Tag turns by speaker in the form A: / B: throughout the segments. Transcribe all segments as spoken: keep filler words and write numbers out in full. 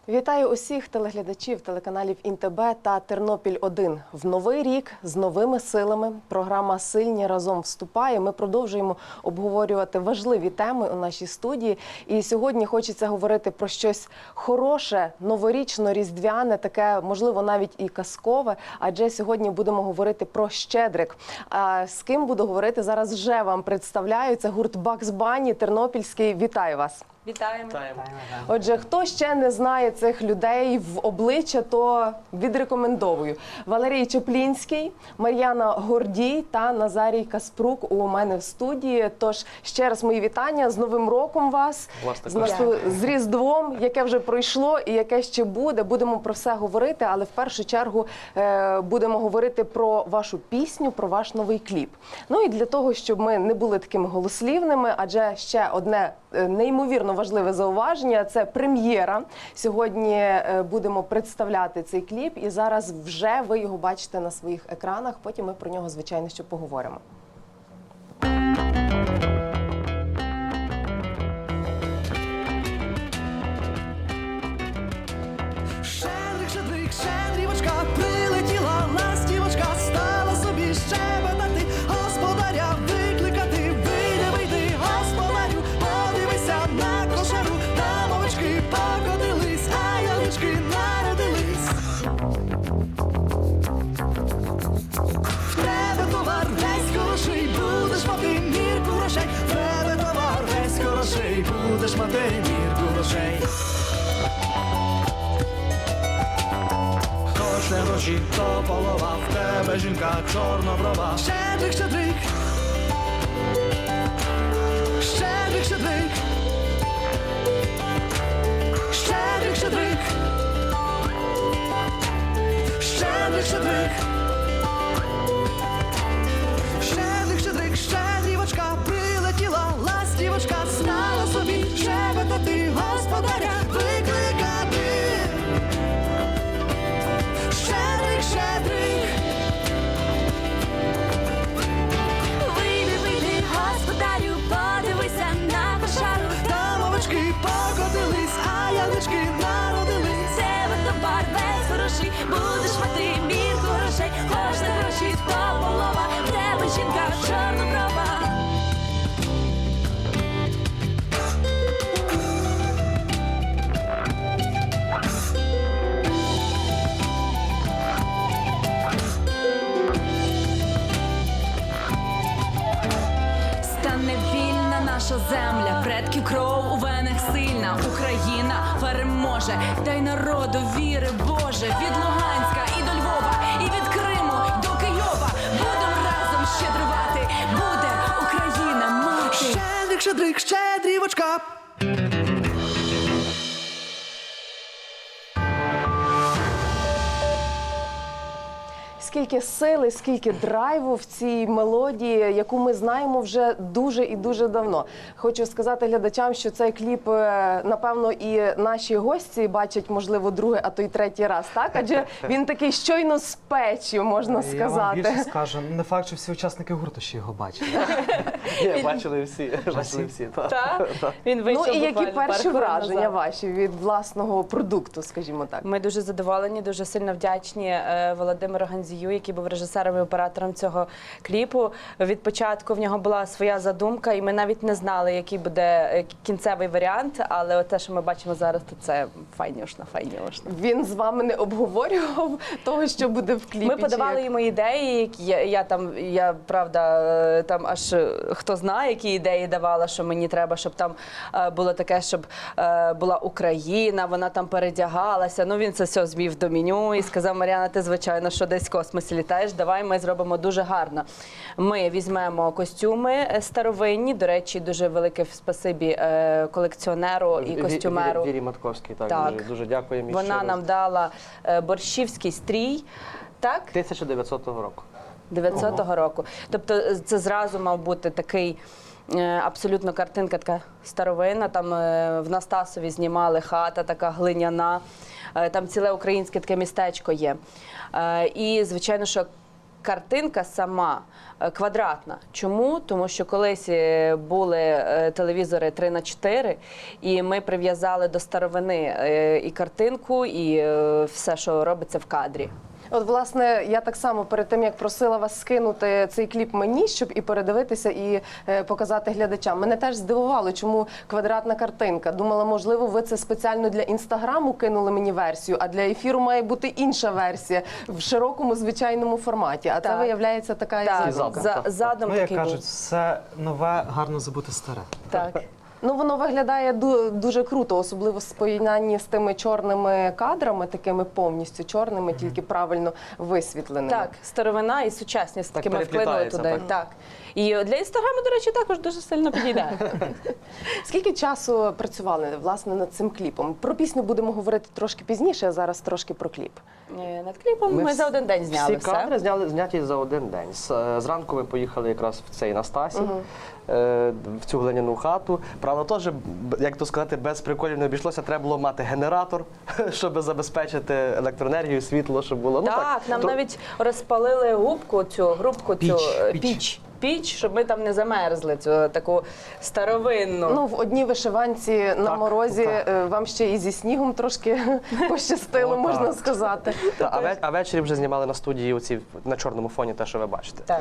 A: Вітаю усіх телеглядачів телеканалів ІНТБ та Тернопіль один. В новий рік з новими силами програма «Сильні разом» вступає. Ми продовжуємо обговорювати важливі теми у нашій студії. І сьогодні хочеться говорити про щось хороше, новорічно-різдвяне, таке, можливо, навіть і казкове. Адже сьогодні будемо говорити про Щедрик. А з ким буду говорити, зараз вже вам представляю. Це гурт Бакс Банні, тернопільський. Вітаю вас!
B: Вітаємо.
C: Вітаємо.
A: Отже, хто ще не знає цих людей в обличчя, то відрекомендовую. Валерій Чеплінський, Мар'яна Гордій та Назарій Каспрук у мене в студії. Тож ще раз мої вітання, з Новим роком вас,
C: Вас
A: з, нашу- з Різдвом, яке вже пройшло і яке ще буде. Будемо про все говорити, але в першу чергу е, будемо говорити про вашу пісню, про ваш новий кліп. Ну і для того, щоб ми не були такими голослівними, адже ще одне е, неймовірно важливе зауваження – це прем'єра. Сьогодні е, будемо представляти цей кліп, і зараз вже ви його бачите на своїх екранах. Потім ми про нього, звичайно, ще поговоримо.
D: Щедрик, щедрик, щедрівочка, прилетіла ластівочка, стала собі щебетати, господаря викликати. Вийди, вийди, господарю, подивися на кошару, там овечки покотились, а ялички народились. В тебе товар весь хороший, будеш мати мірку грошей. В тебе товар весь хороший, будеш мати мірку грошей. Хоч не гроші, то полова, в тебе жінка чорноброва. Щедрик, щедрик, щедрик, щедрик, щедрик, щедрик, щедрик, щедрик, щедрик, щедрик, щедрівочка, прилетіла ластівочка, стала собі щебетати, господаря викликати. Щедрик, щедрик,
E: Вийди, вийди, господарю, подивися на кошару.
D: там овечки покотились, а ялички народились.
E: Тебе товар весь хороший, будеш мати мірку грошей. Хоч на гроші то полова, в тебе жінка чорноброва. Стане вільна наша земля, предків кров у венах сильна. Україна переможе, дай народу віри Боже. Від Луганська і до Львова, і від Криму до Києва. Будем разом щедрувати, буде Україна мати.
D: Щедрик, щедрик, щедрівочка.
A: Скільки сили, скільки драйву в цій мелодії, яку ми знаємо вже дуже і дуже давно. Хочу сказати глядачам, що цей кліп, е, напевно, і наші гості бачать, можливо, другий, а то й третій раз, так? Адже він такий щойно з печі, можна
C: Я вам
A: сказати.
C: більше скажу, не факт, що всі учасники гурту ще його бачили.
F: Ні, бачили всі, бачили всі. так.
B: Так? Він
A: Ну
B: вийшов
A: і які
B: буквально пару
A: перші
B: хвилин
A: враження
B: назад.
A: ваші від власного продукту, скажімо так?
B: Ми дуже задоволені, дуже сильно вдячні е, Володимиру Ганзію, який був режисером і оператором цього кліпу. Від початку в нього була своя задумка, і ми навіть не знали, який буде е, кінцевий варіант, але те, що ми бачимо зараз, то це файнюшна, файнюшна.
A: Він з вами не обговорював того, що буде в кліпі?
B: Ми
A: чи
B: подавали
A: як?
B: йому ідеї, які я, я там, я правда, е, там аж е, хто знає, які ідеї давала, що мені треба, щоб там е, було таке, щоб е, була Україна, вона там передягалася. Ну він це все звів до меню і сказав: Мар'яна, ти звичайно, що десь в космосі літаєш, давай ми зробимо дуже гарно. Ми візьмемо костюми е, старовинні, до речі, дуже велике спасибі е, колекціонеру і
F: Ві-
B: костюмеру.
F: Вірі Матковській, так,
B: Так.
F: Дуже, дуже дякуємо. їй
B: Вона
F: ще
B: нам
F: раз.
B: дала е, борщівський стрій, так?
F: тисяча дев'ятсотого року.
B: дев'ятсотого року. Тобто це зразу мав бути такий е, абсолютно картинка така старовинна. Там е, в Настасові знімали хата така глиняна. Е, Там ціле українське таке містечко є. Е, І, звичайно, що картинка сама е, квадратна. Чому? Тому що колись е, були е, телевізори три на чотири, і ми прив'язали до старовини е, і картинку, і е, все, що робиться в кадрі.
A: От, власне, я так само перед тим, як просила вас скинути цей кліп мені, щоб і передивитися, і е, показати глядачам. Мене теж здивувало, чому квадратна картинка. Думала, можливо, ви це спеціально для Інстаграму кинули мені версію, а для ефіру має бути інша версія в широкому, звичайному форматі. А це,
B: Так.
A: виявляється, така
B: Так,
A: і задумка.
B: за, задум
C: Ну, як
B: такий
C: кажуть,
B: був.
C: все нове, гарно забути старе.
B: Так.
A: Ну, воно виглядає ду- дуже круто, особливо в споєднанні з тими чорними кадрами, такими повністю чорними, тільки правильно висвітленими.
B: Так, старовина і сучасність
F: Так
B: таки ми вклинули
F: переплітається,
B: туди.
F: так.
B: Так. І для інстаграму, до речі, також дуже сильно підійде.
A: Скільки часу працювали, власне, над цим кліпом? Про пісню будемо говорити трошки пізніше, а зараз трошки про кліп.
B: Е, Над кліпом ми, за один день зняли
F: всі
B: все.
F: кадри зняли зняті за один день. З- е, Зранку ми поїхали якраз в цей Настасі, е, в цю глиняну хату. Правда, теж, б- як то сказати, без приколів не обійшлося. Треба було мати генератор, щоб забезпечити електроенергію, світло, щоб було. Ну,
B: Так, нам
F: то-
B: навіть розпалили губку, цю грубку, цю
C: Піч,
B: е,
C: піч.
B: піч. Піч, щоб ми там не замерзли, цю таку старовинну.
A: Ну, в одній вишиванці на
F: Так,
A: морозі
F: так.
A: е, вам ще і зі снігом трошки пощастило,
F: О,
A: можна
F: так.
A: сказати.
F: Та, а, ве- а ввечері вже знімали на студії оці на чорному фоні, те, що ви бачите.
B: Так.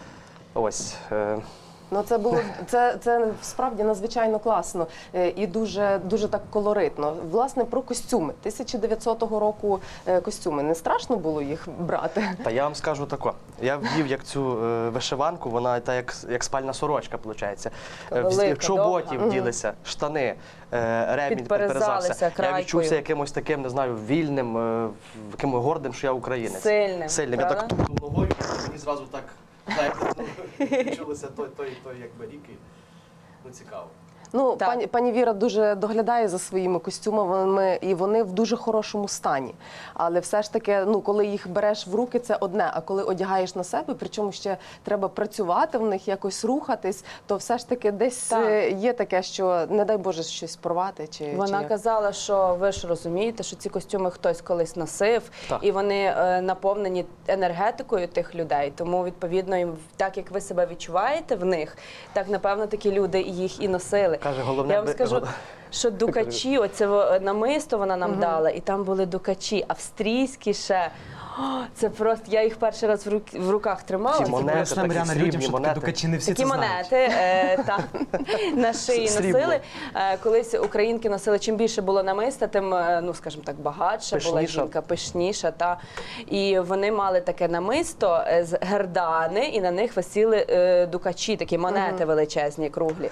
F: Ось. е,
A: Ну, це було це, це справді надзвичайно класно е, і дуже дуже так колоритно. Власне, про костюми тисяча дев'ятсотого року е, костюми. Не страшно було їх брати?
F: Та я вам скажу тако. Я вдів як цю е, вишиванку, вона та як, як спальна сорочка, виходить.
B: Велика,
F: В чоботі
B: довга.
F: вділися, штани, е, ремінь
B: Підперезалися
F: підперезався. Я
B: крайкою.
F: відчувся якимось таким, не знаю, вільним, е, яким гордим, що я українець.
B: Сильним,
F: Сильним. Я
B: правда?
F: так тупнув ногою, і мені зразу так, знаєте, ну, відчулося той, той, той, якби рік. і, Ну, цікаво.
A: Ну,
B: Так.
A: пані, пані Віра дуже доглядає за своїми костюмами, і вони в дуже хорошому стані. Але все ж таки, ну, коли їх береш в руки, це одне. А коли одягаєш на себе, причому ще треба працювати в них, якось рухатись, то все ж таки десь
B: Так.
A: е, є таке, що не дай Боже щось порвати. Чи, чи
B: Вона
A: як.
B: казала, що ви ж розумієте, що ці костюми хтось колись носив,
F: Так.
B: і вони е, наповнені енергетикою тих людей. Тому, відповідно, їм, так як ви себе відчуваєте в них, так, напевно, такі люди їх і носили.
F: Каже, головне,
B: Я вам
F: би-
B: скажу,
F: гол-
B: що дукачі, оце во- намисто вона нам дала, і там були дукачі, австрійські ще. О, це просто, я їх перший раз в, рук, в руках тримала.
F: Ці
B: Ці
F: монети,
C: Поясни,
F: такі
C: Мар'яна,
F: срібні
C: людям, що такі
F: монети.
C: дукачі не всі
B: Такі
C: це знають.
B: монети е, та, на шиї
F: Срібло.
B: носили. Е, колись українки носили, чим більше було намиста, тим, е, ну, скажімо так, багатша була
F: Пишніша.
B: жінка, пишніша. Та. І вони мали таке намисто е, з гердани, і на них висіли е, дукачі, такі монети величезні, круглі.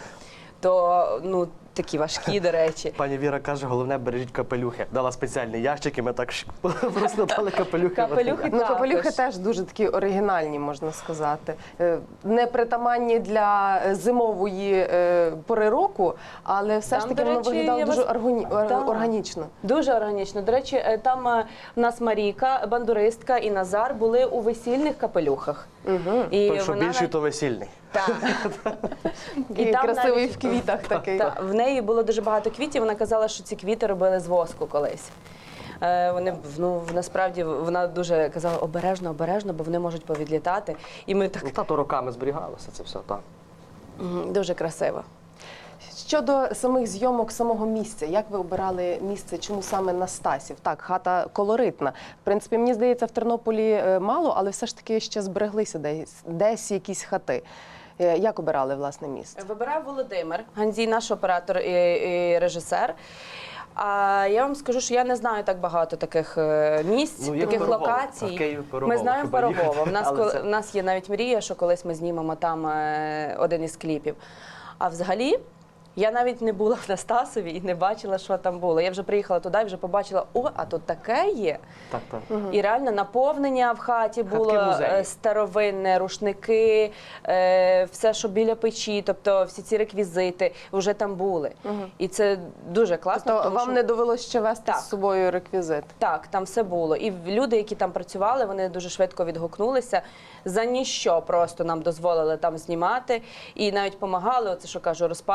B: То, ну, такі важкі, до речі.
F: Пані Віра каже, головне, бережіть капелюхи. Дала спеціальний ящик, і ми так шик- просто дали капелюхи.
B: Капелюхи
A: Ну,
B: також.
A: капелюхи теж дуже такі оригінальні, можна сказати. Е, Не притаманні для зимової е, пори року, але все
B: Там,
A: ж таки
B: до
A: воно
B: речі,
A: виглядало
B: я
A: дуже
B: вас-
A: органі... ор-
B: Так.
A: органічно.
B: Дуже органічно. До речі, е, там е, в нас Марійка, бандуристка і Назар були у весільних капелюхах. Угу. І
F: Той, що
B: вона
F: більший,
B: навіть-
F: то весільний.
B: Так.
A: І
B: там
A: красивий
B: навіть-
A: в квітах такий.
B: Та, в неї було дуже багато квітів. Вона казала, що ці квіти робили з воску колись. Е, Вони ну насправді вона дуже казала обережно, обережно, бо вони можуть повідлітати. І ми так
F: Ну, та то роками зберігалося це все, так.
B: м, дуже красиво.
A: Щодо самих зйомок, самого місця, як ви обирали місце, чому саме Настасів? Так, хата колоритна. В принципі, мені здається, в Тернополі е, мало, але все ж таки ще збереглися десь, десь якісь хати. Е, Як обирали, власне, місце?
B: Вибирав Володимир Ганзій, наш оператор і, і режисер. А я вам скажу, що я не знаю так багато таких е, місць,
F: Ну, є
B: таких
F: Пирогово.
B: локацій.
F: А в Київ Пирогово
B: Ми знаємо
F: хіба їхати?
B: Пирогово. В нас,
F: Але
B: коли,
F: це-
B: в нас є навіть мрія, що колись ми знімемо там е, один із кліпів. А взагалі, я навіть не була в Настасові і не бачила, що там було. Я вже приїхала туди і вже побачила, о, а тут таке є.
F: Так, так.
B: І реально наповнення в хаті було
F: музеї.
B: е, старовинне, рушники, е, все, що біля печі, тобто всі ці реквізити вже там були. І це дуже класно.
A: Тобто
B: тому
A: вам
B: що-
A: не довелося ще вести
B: Так.
A: з собою реквізит?
B: Так, там все було. І люди, які там працювали, вони дуже швидко відгукнулися. За ніщо просто нам дозволили там знімати. І навіть допомагали, оце що кажу, розпалювали, щоб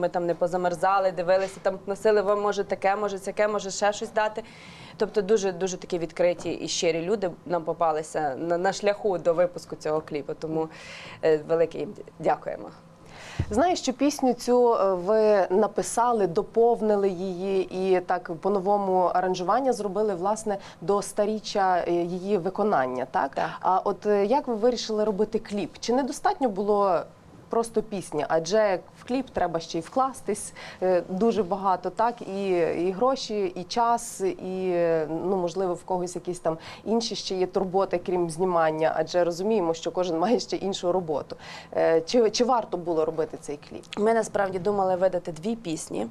B: ми там не позамерзали, дивилися, там носили, вам може таке, може сяке, може ще щось дати. Тобто дуже дуже такі відкриті і щирі люди нам попалися на, на шляху до випуску цього кліпу. Тому е, велике їм дякуємо.
A: Знаю, що пісню цю е, ви написали, доповнили її і так по-новому аранжування зробили, власне, до сторіччя е, її виконання, так?
B: Так.
A: А от е, як ви вирішили робити кліп? Чи недостатньо було просто пісня? Адже в кліп треба ще й вкластись е, дуже багато, так? І, і гроші, і час, і, е, ну, можливо, в когось якісь там інші ще є турботи, крім знімання, адже розуміємо, що кожен має ще іншу роботу. Е, Чи, чи варто було робити цей кліп?
B: Ми насправді думали видати дві пісні.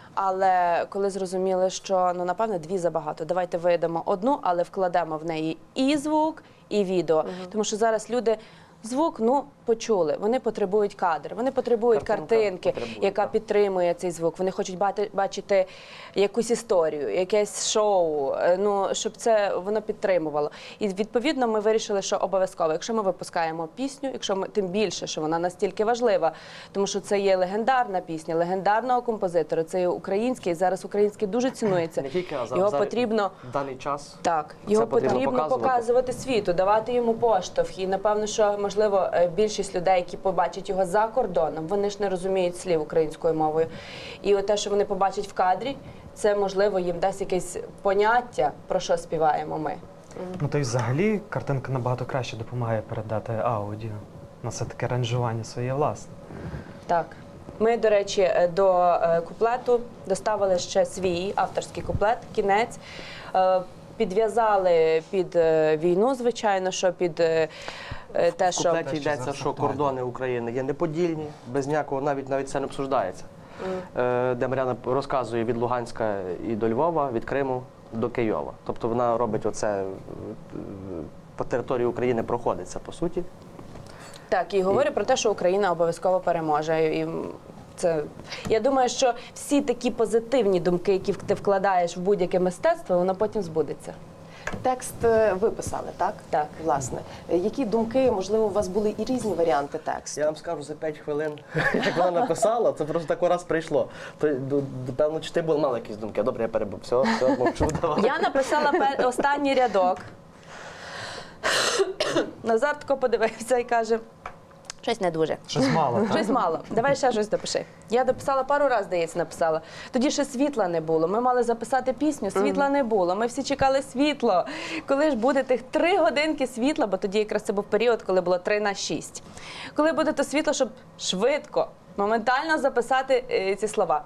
B: Але коли зрозуміли, що ну напевне дві забагато, давайте видамо одну, але вкладемо в неї і звук, і відео. Тому що зараз люди звук ну почули. Вони потребують кадр, вони потребують
F: Картинка
B: картинки,
F: потребує,
B: яка
F: так.
B: підтримує цей звук. Вони хочуть бати- бачити якусь історію, якесь шоу. е, Ну щоб це воно підтримувало. І відповідно ми вирішили, що обов'язково, якщо ми випускаємо пісню, якщо ми тим більше, що вона настільки важлива, тому що це є легендарна пісня, легендарного композитора. Це є український. Зараз український дуже цінується.
F: Не тільки, а за-
B: Його
F: за-
B: потрібно.
F: в даний час.
B: Так,
F: Це
B: його
F: потрібно
B: потрібно,
F: показувати.
B: показувати світу, давати йому поштовх. І напевно, що можливо е, більшість людей, які побачать його за кордоном, вони ж не розуміють слів українською мовою. І от те, що вони побачать в кадрі, це можливо їм дасть якесь поняття, про що співаємо ми.
C: Ну, то й взагалі картинка набагато краще допомагає передати аудіо. На все таке аранжування своє власне.
B: Так. Ми, до речі, е, до е, куплету доставили ще свій авторський куплет, кінець. Е, Підв'язали під е, війну, звичайно, що під е, е, те,
F: В
B: що
F: куплеті
C: Те, що
F: йдеться,
C: зараз
F: що
C: актуально.
F: кордони України є неподільні, без ніякого навіть навіть це не обсуждається. Е, Де Мар'яна розказує від Луганська і до Львова, від Криму до Києва. Тобто вона робить оце е, по території України проходиться, по суті.
B: Так, і говорю про те, що Україна обов'язково переможе. І це я думаю, що всі такі позитивні думки, які ти вкладаєш в будь-яке мистецтво, воно потім збудеться.
A: Текст е, ви писали, так?
B: Так.
A: Власне. Е, Які думки, можливо, у вас були і різні варіанти тексту?
F: Я вам скажу за п'ять хвилин, як вона написала, це просто так раз прийшло. То до- до- певно, чи ти був мала якісь думки? Добре, я перебув. Все, все, мовчу, давай.
B: Я написала пер- останній рядок. Назар тако подивився і каже: щось не дуже.
C: Щось мало, так?
B: Щось мало. Давай ще щось допиши. Я дописала пару разів, здається, написала. Тоді ще світла не було. Ми мали записати пісню, світла не було. Ми всі чекали світло. Коли ж буде тих три годинки світла, бо тоді якраз це був період, коли було три на шість. Коли буде то світло, щоб швидко, моментально записати е, ці слова.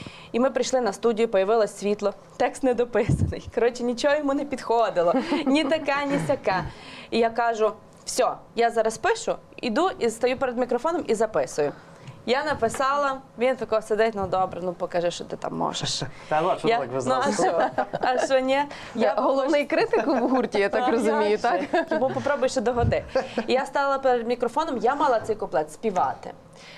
B: І ми прийшли на студію, появилось світло, текст не дописаний. Коротше, нічого йому не підходило. Ні таке, ні сяке. І я кажу: все, я зараз пишу, іду і стою перед мікрофоном і записую. Я написала, він тако сидить, ну добре, ну покажи, що ти там можеш.
F: Та ну, а що
B: Я,
F: так ви
B: ну а
F: зразу?
B: що? А що ні?
A: Я головний критик в гурті, я так
B: А
A: розумію,
B: як
A: так?
B: же? Бо попробуй ще догоди. І я стала перед мікрофоном, я мала цей куплет співати.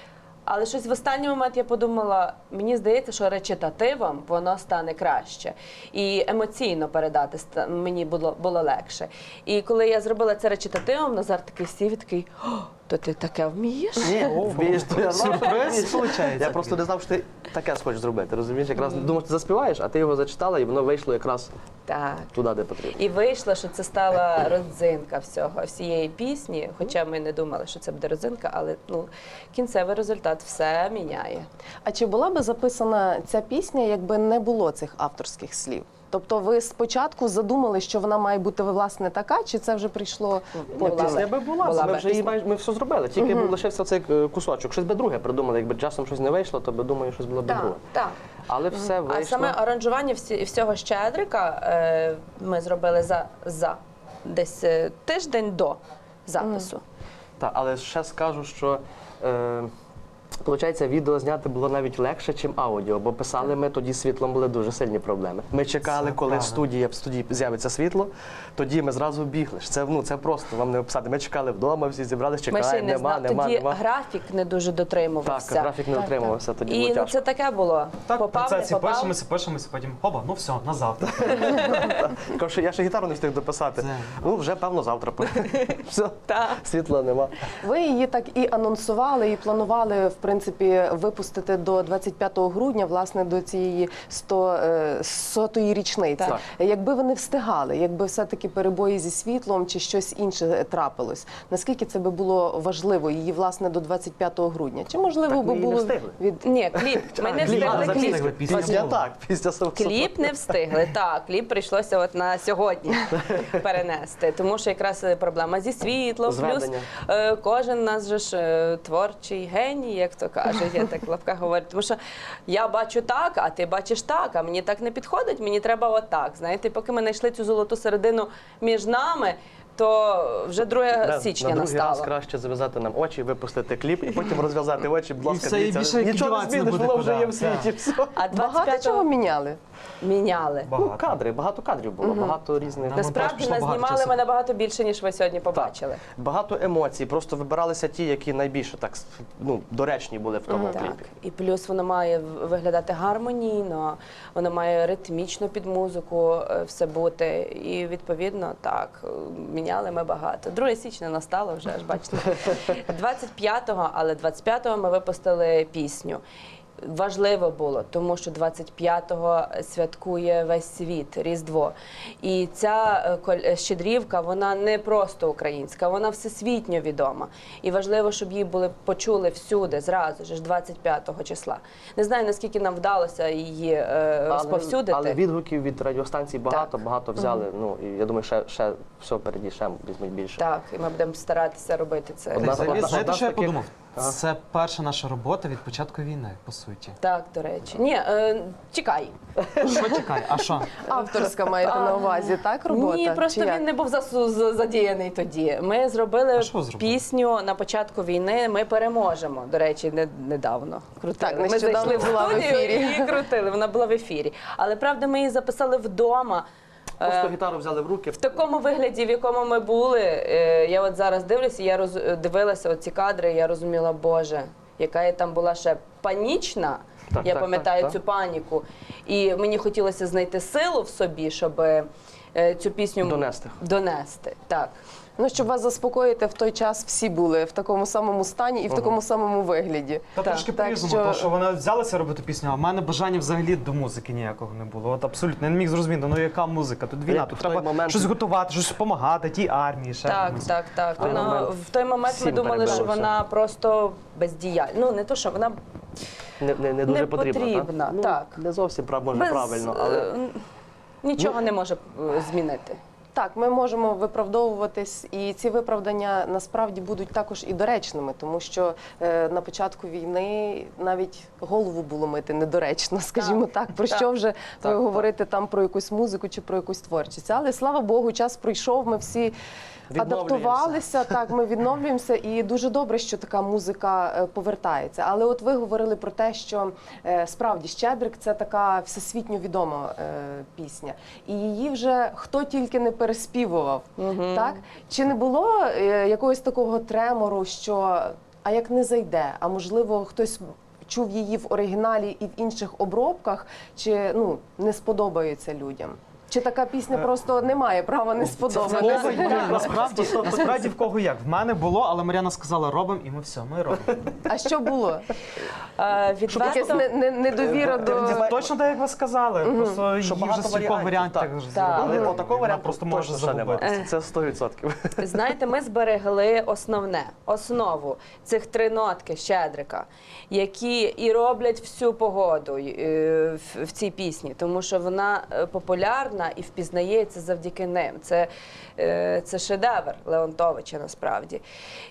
B: Але щось в останній момент я подумала, мені здається, що речитативом воно стане краще. І емоційно передати ста- мені було, було легше. І коли я зробила це речитативом, Назар такий сів і такий: «О, то ти таке вмієш?»
F: Ні, вмієш, то я знав, що
C: Сюрприз,
F: вмієш.
C: виходить.
F: Я просто не знав, що ти таке схочеш зробити, розумієш? Якраз думав, ти заспіваєш, а ти його зачитала, і воно вийшло якраз
B: Так.
F: туди, де потрібно.
B: І вийшло, що це стала родзинка всього, всієї пісні. Хоча ми не думали, що це буде родзинка, але ну, кінцевий результат все міняє.
A: А чи була би записана ця пісня, якби не було цих авторських слів? Тобто ви спочатку задумали, що вона має бути власне така, чи це вже прийшло
B: Була
A: потім?
F: Пісня
B: би.
F: би була,
B: Була
F: ми
B: би.
F: вже її майже ми все зробили. Тільки був лишився цей е, кусочок. Щось би друге придумали. Якби часом щось не вийшло, то би думаю, щось було б друге.
B: так.
F: Але все вийшло.
B: А саме аранжування всі, всього Щедрика е, ми зробили за, за десь е, тиждень до запису.
F: Так, але ще скажу, що е, виходить, відео зняти було навіть легше, ніж аудіо, бо писали ми тоді з світлом були дуже сильні проблеми. Ми чекали,
C: Це
F: коли в
C: правда.
F: студії, в студії з'явиться світло, тоді ми зразу бігли. Це, ну, це просто вам не описати. Ми чекали вдома, всі зібралися,
B: Ми ще й
F: чекаємо,
B: не
F: нема,
B: знали.
F: нема,
B: Тоді
F: нема.
B: графік не дуже дотримувався.
F: Так, графік не утримувався, тоді
B: І
F: було
B: ну,
F: тяжко.
B: це таке було.
C: Так, в
B: попав, не
C: процесі
B: попав.
C: пишемося, пишемося, потім хоба, ну все, на завтра.
F: Кажу, що я ще гітару не встиг дописати.
C: Це-
F: Ну, вже, певно, завтра. Все,
B: Так.
F: світла нема.
A: Ви її так і анонсували, і планували в принципі принципі, випустити до двадцять п'ятого грудня, власне, до цієї сто, е, сотої річниці.
F: Так.
A: Якби ви не встигали, якби все-таки перебої зі світлом чи щось інше трапилось, наскільки це би було важливо її, власне, до двадцять п'ятого грудня? Чи можливо
F: Так ми
A: би
F: її не
A: було
F: встигли.
A: від
B: Ні, кліп. Ми не
C: кліп,
B: встигли
C: а,
B: кліп.
C: встигли, пісня
F: Після
C: була.
F: так, після самого.
B: Кліп не встигли. Так, кліп прийшлося от на сьогодні перенести, тому що якраз проблема зі світлом, плюс
F: Зведення.
B: е, кожен у нас же ж е, творчий геній, як то кажуть, я так в лапках говорю. Тому що я бачу так, а ти бачиш так, а мені так не підходить, мені треба отак. Знаєте, поки ми знайшли цю золоту середину між нами, то вже друге
F: Да,
B: січня
F: на другий
B: настало.
F: раз краще зав'язати нам очі, випустити кліп і потім розв'язати очі, будь ласка,
C: все, і
F: дивіться.
C: більше
F: Нічого не
C: діватися не
F: зміниш,
C: буде
F: воно вже
C: куди.
F: є в світі. Все.
B: А
A: багато чого
B: двадцять п'ятого
A: міняли?
B: міняли.
F: Ну,
C: Багато.
F: кадри, багато кадрів було, багато різних.
C: Нам
B: Насправді
C: пішло багато
B: назнімали
C: часу.
B: ми набагато більше, ніж ви сьогодні побачили.
F: Багато емоцій, просто вибиралися ті, які найбільше так ну, доречні були в тому
B: Так,
F: кліпі.
B: і плюс воно має в- виглядати гармонійно, воно має ритмічно під музику е, все бути. І відповідно так, е, міняли ми багато. друге січня настало вже, аж бачите. двадцять п'ятого, але двадцять п'ятого ми випустили пісню. Важливо було, тому що двадцять п'ятого святкує весь світ, Різдво. І ця е, коль- щедрівка, вона не просто українська, вона всесвітньо відома. І важливо, щоб її були почули всюди, зразу ж, двадцять п'ятого числа. Не знаю, наскільки нам вдалося її е, розповсюдити.
F: Але, але відгуків від радіостанцій багато,
B: Так.
F: багато взяли. Ну, і я думаю, ще, ще все впереді, ще візьмуть більше.
B: Так, і ми будемо старатися робити це.
F: Одна-
C: Взагалі,
F: одна-
C: знаєте,
F: одна
C: що
F: з
C: я
F: таких-
C: подумав?
F: Ага.
C: Це перша наша робота від початку війни, по суті.
B: Так, до речі. Ні, е, чекай.
C: Що чекай, а що?
A: Авторська маєте на увазі, так, робота?
B: Ні, просто
A: Чи як?
B: він не був засу- з- задіяний тоді. Ми зробили
C: А що зробили?
B: пісню на початку війни. Ми переможемо. До речі, не, недавно крутили.
A: Так,
B: ми
A: нещодавно
B: зайшли в
A: була в
B: студію
A: ефірі.
B: і крутили. Вона була в ефірі. Але правда, ми її записали вдома.
F: Просто
B: Е,
F: гітару взяли в руки.
B: В такому вигляді, в якому ми були, е, я от зараз дивлюся, я роз, дивилася ці кадри, і я розуміла, Боже, яка я там була ще панічна.
F: Так,
B: я
F: так,
B: пам'ятаю
F: так,
B: цю
F: так.
B: паніку. І мені хотілося знайти силу в собі, щоб е, цю пісню
F: Донести.
B: донести. Так.
A: Ну, щоб вас заспокоїти, в той час всі були в такому самому стані і в такому самому вигляді.
C: Та
B: Так,
C: трошки
A: так
C: по-різному,
A: що-
C: тому що вона взялася робити пісню, а в мене бажання взагалі до музики ніякого не було. От абсолютно, я не міг зрозуміти, ну яка музика, тут війна,
F: Як
C: тут
F: в той
C: треба
F: момент-
C: щось готувати, щось допомагати, тій армії, ще
B: Так,
C: комусь.
B: так, так.
F: той
B: Вона,
F: момент
B: в той момент ми
F: всім
B: думали, що
F: перебилося.
B: вона просто бездіяльна. Ну, не то, що вона
F: Не, не, не дуже
B: Не
F: потрібно.
B: потрібна,
F: так? Ну,
B: так.
F: Не зовсім прав, може,
B: без,
F: правильно, але
B: е, нічого не може е, змінити.
A: Так, ми можемо виправдовуватись, і ці виправдання насправді будуть також і доречними, тому що е, на початку війни навіть голову було мити недоречно, скажімо так, про
B: так.
A: що вже
F: Так,
A: говорити там про якусь музику чи про якусь творчість. Але слава Богу, час пройшов, ми всі
F: Відновлюємося.
A: адаптувалися, так, ми відновлюємося, і дуже добре, що така музика е, повертається. Але от ви говорили про те, що е, справді Щедрик це така всесвітньо відома е, пісня, і її вже хто тільки не переспівував. Так? Чи не було е, якогось такого тремору, що а як не зайде, а можливо хтось чув її в оригіналі і в інших обробках, чи ну не сподобається людям? Чи така пісня просто не має права не
C: Кого
A: сподобатися?
C: як? Насправді, насправді в кого як. В мене було, але Мар'яна сказала, робимо, і ми все, ми робимо.
A: А що було?
B: Е,
A: Якась
B: Відверто,
A: не- не- недовіра до...
C: Це точно так, як ви сказали. Просто
F: Що
C: її
F: багато
C: вже стількох
F: варіантів,
C: варіантів
F: так.
C: зробили.
F: але
B: Мгм.
F: отакого
C: Вона
F: варіанту
C: просто
F: точно
C: може
F: ще немає.
C: загубитися.
F: Це сто відсотків.
B: знаєте, ми зберегли основне, основу цих три нотки Щедрика, які і роблять всю погоду е, в, в цій пісні, тому що вона е, популярна і впізнається завдяки ним. Це, е, це шедевр Леонтовича насправді.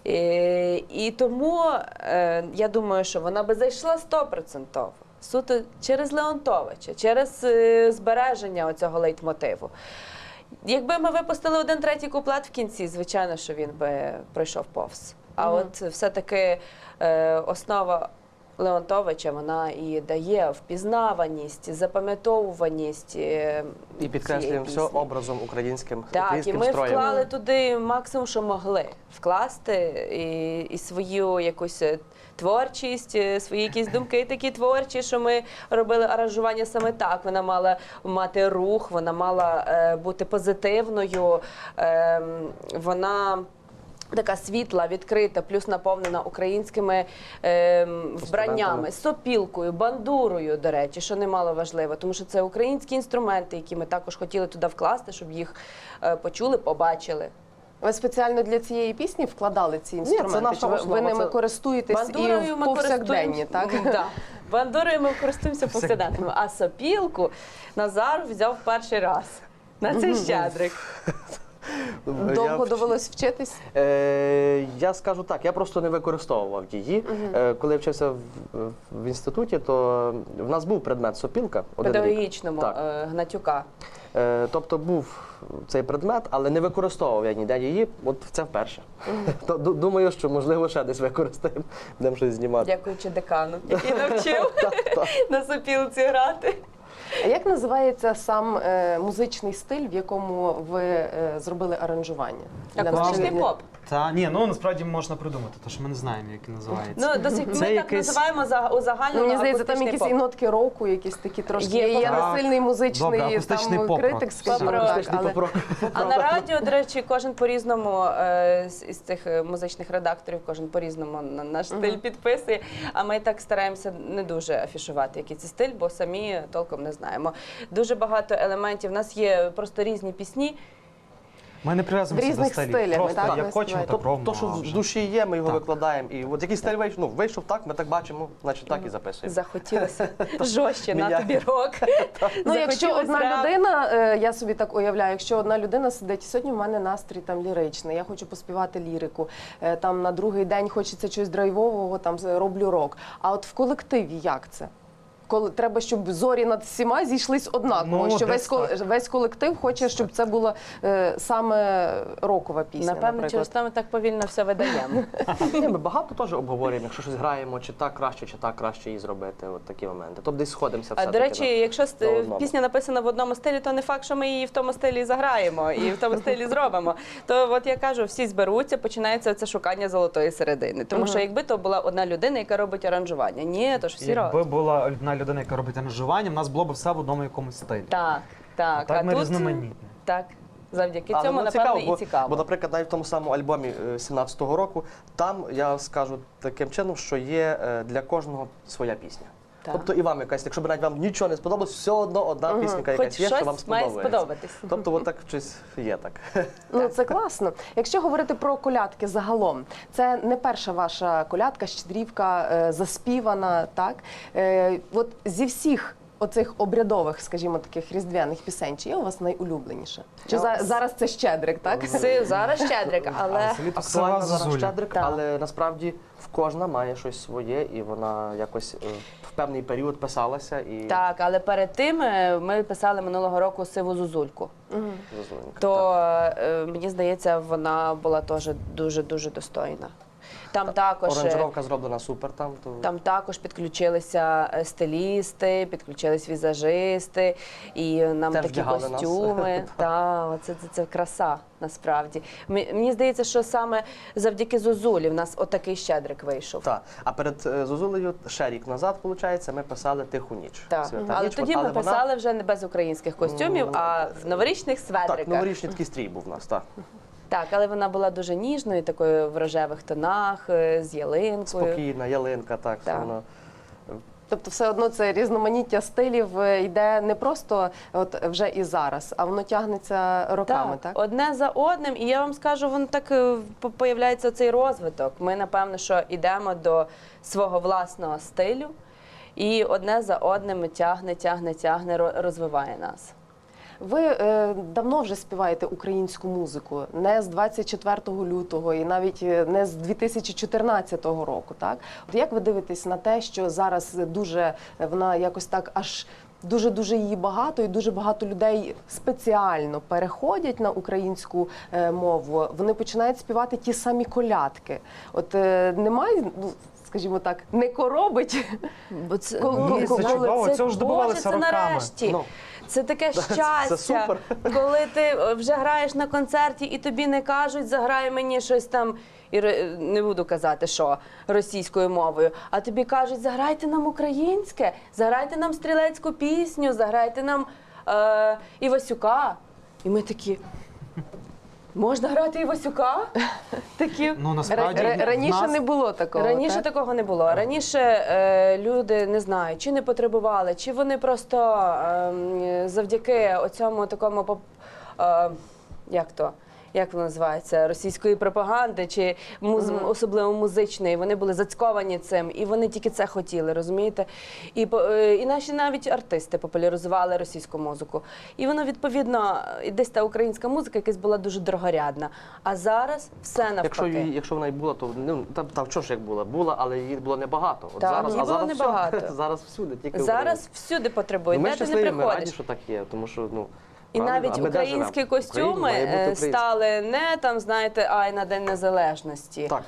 B: Е, і тому е, я думаю, що вона би зайшла стопроцентово. Суто через Леонтовича, через е, збереження оцього лейтмотиву. Якби ми випустили один третій куплет в кінці, звичайно, що він би пройшов повз. А от все-таки е, основа Леонтовича, вона і дає впізнаваність, запам'ятовуваність е,
F: І підкреслюємо все
B: цієї пісні.
F: образом українським,
B: Так, і
F: українським
B: ми
F: строєм.
B: вклали туди максимум, що могли вкласти, і, і свою якусь е, творчість, е, свої якісь думки такі творчі, що ми робили аранжування саме так. Вона мала мати рух, вона мала е, бути позитивною, е, вона така світла, відкрита, плюс наповнена українськими е, вбраннями, сопілкою, бандурою, до речі, що немало важливо, тому що це українські інструменти, які ми також хотіли туди вкласти, щоб їх е, почули, побачили.
A: Ви спеціально для цієї пісні вкладали ці інструменти?
F: наша
A: Чи ви,
F: основа,
A: ви ними
F: це-
A: користуєтесь
B: Бандурою
A: і в
B: ми
A: повсякденні, так?
B: користуємося- Да. Бандурою ми користуємося повсякденно, а сопілку Назар взяв перший раз на цей щедрик.
A: Довго
F: Я-
A: довелось вчитись?
F: Е, я скажу так, я просто не використовував її. Е, коли я вчився в, в інституті, то в нас був предмет сопілка. один рік.
B: Педагогічному
F: Так.
B: е, Гнатюка.
F: Е, тобто був цей предмет, але не використовував я ніде її, от це вперше. То, ду- думаю, що можливо ще десь використаємо, будемо щось знімати.
B: Дякуючи декану, який навчив на сопілці грати.
A: А як називається сам е, музичний стиль, в якому ви е, зробили аранжування? Для
B: Акустичний
A: наших-
B: поп.
C: Та ні, ну насправді можна придумати, тому що ми не знаємо, як він називається.
B: Ну, до сих ми
C: Це
B: так
C: якийсь-
B: називаємо за у загальному.
A: Ну, мені здається, там
B: акустичний
A: якісь і
B: поп.
A: нотки року, якісь такі трошки.
B: Є
A: Я
C: поп-рок.
A: не сильний музичний
C: Добре, акустичний
A: там
C: поп-рок.
A: критик, скажімо
B: Поп-рок.
A: так.
F: Акустичний
A: Але...
F: поп-рок.
B: А на радіо, до речі, кожен по-різному е, з із цих е, музичних редакторів, кожен по-різному на наш стиль підписує. А ми так стараємося не дуже афішувати, який це стиль, бо самі толком не знаємо. Дуже багато елементів. У нас є просто різні пісні.
C: Ми не прив'язуємося
A: В різних
C: до стилів.
A: стилями,
C: Просто
A: так, ви
C: як хочемо,
A: співаєте?
C: так робимо.
F: То, що
C: а
F: в
C: вже.
F: душі є, ми його
C: Так.
F: викладаємо. І от який стиль вийшов, ну, вийшов так, ми так бачимо, значить так і записуємо.
B: Захотілося жорстче, на
F: Міняє.
B: тобі рок.
A: Ну, якщо
B: Захотілося
A: одна
B: реп.
A: людина, е, я собі так уявляю, якщо одна людина сидить, сьогодні в мене настрій там ліричний, я хочу поспівати лірику, е, там на другий день хочеться чогось драйвового, там з- роблю рок. А от в колективі як це? Коли треба, щоб зорі над всіма зійшлись однаково,
C: Ну,
A: що весь
C: десь
A: кол-
C: так.
A: весь колектив хоче, щоб це була е, саме рокова пісня.
B: Напевно,
A: наприклад.
B: через те ми так повільно все видаємо.
F: Ні, ми багато теж обговорюємо, якщо щось граємо, чи так краще, чи так краще її зробити. От такі моменти. Тобто десь сходимося
B: А
F: все.
B: до речі, якщо ст-
F: на одному.
B: пісня написана в одному стилі, то не факт, що ми її в тому стилі заграємо і в тому стилі зробимо. То от я кажу, всі зберуться, починається це шукання золотої середини. Тому що якби то була одна людина, яка робить аранжування. Ні, то ж всі
C: Якби
B: роблять.
C: була одна людина, яка робить аранжування, в нас було б все в одному якомусь стилі.
B: Так, так.
C: Так ми
B: тут
C: різноманітні.
B: так. Завдяки
F: Але,
B: цьому,
F: ну,
B: напевно,
F: цікаво,
B: і
F: бо,
B: цікаво.
F: Бо, наприклад, навіть в тому самому альбомі е, сімнадцятого року, там я скажу таким чином, що є е, для кожного своя пісня.
B: Так.
F: Тобто і вам якась, якщо б навіть вам нічого не сподобалось, все одно одна пісенька
B: Хоч
F: якась є, що вам
B: щось має
F: сподобається.
B: сподобатись.
F: Тобто, от так щось є так.
A: Ну, це класно. Якщо говорити про колядки загалом, це не перша ваша колядка, щедрівка, е, заспівана, так? Е, от зі всіх оцих обрядових, скажімо, таких різдвяних пісень, чи є у вас найулюбленіше? Чи за, зараз це щедрик, так?
B: Си- Зараз щедрик, але
C: А селі то села
F: Актуально зараз
C: Зозуля.
F: щедрик,
B: Так.
F: але насправді в кожна має щось своє, і вона якось е, в певний період писалася і
B: так, але перед тим е, ми писали минулого року Сиву Зозульку.
F: зозуленька.
B: То е, мені здається, вона була теж дуже дуже достойна. Там також е,
F: Оранжировка зроблена супер там. То...
B: там також підключилися е, стилісти, підключились візажисти, і нам
F: Теж
B: такі
F: вдягали нас.
B: костюми. Та це, це, це краса насправді. Мі- Мені здається, що саме завдяки Зозулі в нас отакий щедрик вийшов.
F: Так, а перед е, Зозулею ще рік назад, виходить, ми писали Тиху ніч.
B: Так.
F: Свята
B: Але
F: ніч,
B: тоді
F: от,
B: ми
F: але вона-
B: писали вже не без українських костюмів,
F: Ну,
B: а в новорічних сведриках.
F: Так, новорічний такий стрій був у нас, так.
B: Так, але вона була дуже ніжною, такою в рожевих тонах, е, з ялинкою.
F: Спокійна, ялинка, так.
B: Так.
F: Воно...
A: Тобто все одно це різноманіття стилів е, йде не просто от вже і зараз, а воно тягнеться роками, так?
B: одне за одним, і я вам скажу, воно так е, по- появляється цей розвиток. Ми, напевно, що йдемо до свого власного стилю, і одне за одним тягне, тягне, тягне, ро- розвиває нас.
A: Ви е, давно вже співаєте українську музику, не з двадцять четвертого лютого і навіть е, не з дві тисячі чотирнадцятого року, так? От як ви дивитесь на те, що зараз дуже е, вона якось так аж дуже-дуже її багато, і дуже багато людей спеціально переходять на українську е, мову, вони починають співати ті самі колядки. От е, немає, ну, скажімо так, не коробить.
B: Бо це,
A: Коли-
C: Ні,
A: коли-
C: це чудово,
B: це,
C: цього ж
B: Боже,
C: добивалися
B: це
C: роками.
B: нарешті.
F: Ну.
B: Це таке
F: Це-
B: щастя,
F: це супер.
B: коли ти е, вже граєш на концерті і тобі не кажуть, заграй мені щось там, і ре- не буду казати, що російською мовою, а тобі кажуть, заграйте нам українське, заграйте нам стрілецьку пісню, заграйте нам е, Івасюка. І ми такі, Можна грати Івасюка? Такі.
C: Ну,
A: Р-
C: насправді,
A: р- раніше
C: в нас-
A: не було такого.
B: Раніше
A: так?
B: такого не було. Раніше е, люди не знаю, чи не потребували, чи вони просто е, завдяки оцьому такому поп- е, як то. Як воно називається, російської пропаганди чи муз... особливо музичної, вони були зацьковані цим, і вони тільки це хотіли, розумієте? І, по- е, і наші навіть артисти популяризували російську музику. І воно, відповідно, і десь та українська музика якась була дуже дорогорядна. А зараз все навпаки.
F: Якщо, її- якщо вона й була, то ну, та, та що ж як була? Була, але її було небагато. От
B: Так,
F: зараз,
B: її
F: а
B: було
F: зараз
B: небагато.
F: Все, зараз всюди, тільки
B: Зараз всюди потребують,
F: ну, ми
B: де ти не
F: щасливі, ми раді,
B: приходиш.
F: що так є, тому що, ну,
B: І
F: правильно,
B: навіть
F: а ми де
B: українські
F: живемо? В Україні
B: костюми
F: має бути
B: е,
F: українське.
B: стали не там, знаєте, ай на День Незалежності.
F: Так.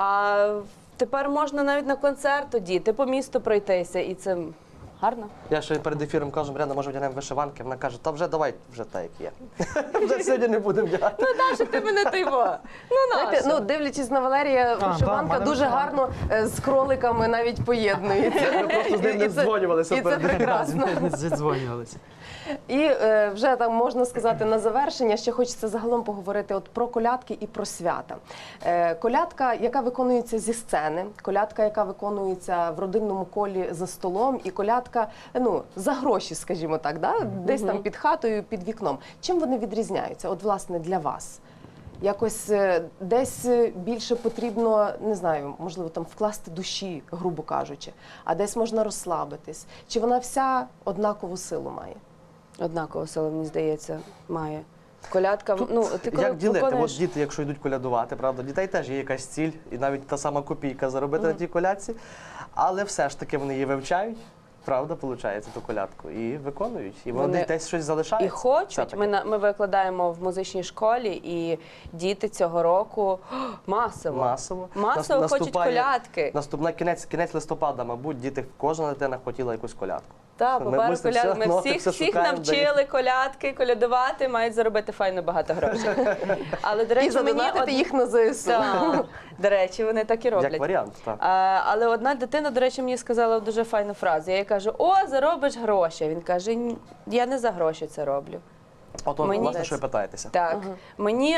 B: А тепер можна навіть на концерт одіти, по місту пройтися, і це гарно.
F: Я ще перед ефіром кажу, Мар'яна, може вдягнемо вишиванки? Вона каже, та вже давай, вже так, як є. Вже сьогодні не будемо вдягати.
B: Наша ти мене тайво. Ну
A: Знаєте,
B: наша.
A: ну, дивлячись на Валерія,
C: да,
A: вишиванка
C: в
A: дуже
C: мене
A: гарно е, з кроликами навіть поєднується.
F: Ми просто з ним не
A: І це-
F: дзвонювалися
A: І це
F: перед
A: прекрасно.
C: Не зідзвонювалися.
A: І е, вже там можна сказати на завершення, ще хочеться загалом поговорити от про колядки і про свята. Е, колядка, яка виконується зі сцени, колядка, яка виконується в родинному колі за столом, і колядка, ну, за гроші, скажімо так, да? Десь там під хатою, під вікном. Чим вони відрізняються? От, власне, для вас? Якось е, десь е, більше потрібно, не знаю, можливо, там вкласти душі, грубо кажучи, а десь можна розслабитись. Чи вона вся однакову силу має?
B: Однаково сила, мені здається, має. Колядка, ну, ти коли
F: Як ділити?
B: виконуєш-
F: От діти, якщо йдуть колядувати, правда, дітей теж є якась ціль, і навіть та сама копійка заробити на тій колядці, але все ж таки вони її вивчають, правда, виходить, ту колядку, і виконують. І вони,
B: Вони
F: десь щось залишається.
B: І хочуть.
F: все-таки.
B: Ми, на- ми викладаємо в музичній школі, і діти цього року о, масово,
F: Масово.
B: масово
F: Нас-
B: хочуть
F: наступає-
B: колядки.
F: Наступна кінець, кінець листопада, мабуть, діти, кожна дитина хотіла якусь колядку.
B: Так,
F: Ми
B: попереду
F: мусимо
B: коляд...
F: все
B: Ми
F: ноти,
B: всіх,
F: все
B: всіх
F: шукаємо,
B: навчили колядки, колядувати, мають заробити файно багато грошей. Але, до речі,
A: І задонатити
B: од-
A: їх на ЗСУ.
B: Так, до речі, вони так і роблять.
F: Як варіант, так.
B: А, але одна дитина, до речі, мені сказала дуже файну фразу. Я їй кажу: о, заробиш гроші. Він каже: «Ні, я не за гроші це роблю.
F: От, от,
B: Мені-
F: власне, що ви питаєтеся.
B: Так, мені,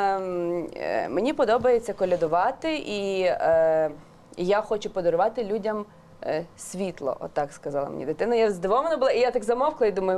B: ем, е, мені подобається колядувати, і е, я хочу подарувати людям е, світло, отак сказала мені дитина. Я здивована була, і я так замовкла і думаю,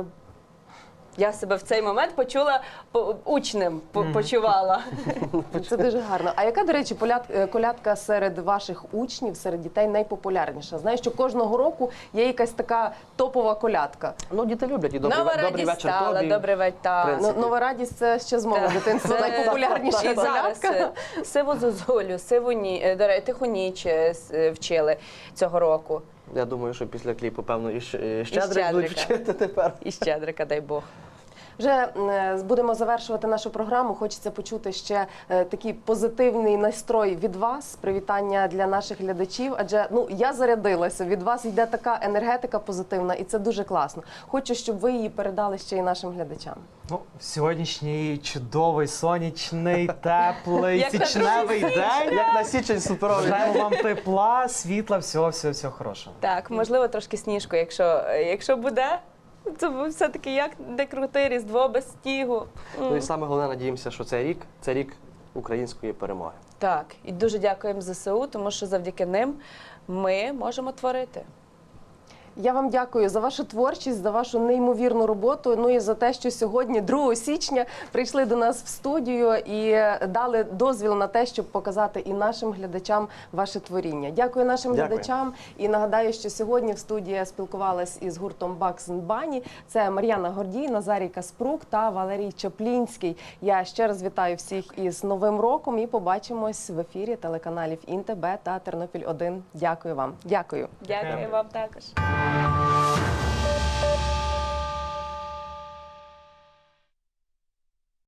B: я себе в цей момент почула по- учнем, по- почувала.
A: Це дуже гарно. А яка, до речі, поляд- е, колядка серед ваших учнів, серед дітей найпопулярніша? Знаю, що кожного року є якась така топова колядка.
F: Ну, діти люблять і добрий,
B: Нова
F: ве- добрий
B: радість
F: вечір
B: стала,
F: тобі.
B: добрий вечір.
F: В
B: так.
F: принципі.
A: Ну, нова радість це ще з мого
B: Так.
A: дитинства
B: Це-
A: найпопулярніша
B: І зараз
A: колядка.
B: е, сиву зозулю, сиву ні, е, до речі, тиху ніч е, с- е, вчили цього року.
F: Я думаю, що після кліпу, певно, і щ- і щедрик
B: Щедрика.
F: будуть вчити тепер.
B: І щедрика, дай Бог.
A: Вже е, будемо завершувати нашу програму. Хочеться почути ще е, такий позитивний настрой від вас, привітання для наших глядачів. Адже ну я зарядилася. Від вас йде така енергетика позитивна, і це дуже класно. Хочу, щоб ви її передали ще й нашим глядачам.
C: Ну, сьогоднішній чудовий, сонячний, теплий,
B: Як на
C: січневий день.
F: Як на січень суперовий.
C: Бажаємо вам тепла, світла, всього, всього, всього хорошого.
B: Так, можливо, трошки сніжку, якщо, якщо буде. Це все-таки як де крутий Різдво без снігу.
F: Ну і саме головне, надіємося, що цей рік це рік української перемоги.
B: Так, і дуже дякуємо ЗСУ, тому що завдяки ним ми можемо творити.
A: Я вам дякую за вашу творчість, за вашу неймовірну роботу. Ну і за те, що сьогодні, другого січня, прийшли до нас в студію і дали дозвіл на те, щоб показати і нашим глядачам ваше творіння. Дякую нашим
F: Дякую.
A: глядачам. І нагадаю, що сьогодні в студії я спілкувалась із гуртом Bugs and Bunny. Це Мар'яна Гордій, Назарій Каспрук та Валерій Чаплінський. Я ще раз вітаю всіх із Новим роком і побачимось в ефірі телеканалів ІнТеБе та Тернопіль один. Дякую вам. Дякую.
B: Дякую вам також.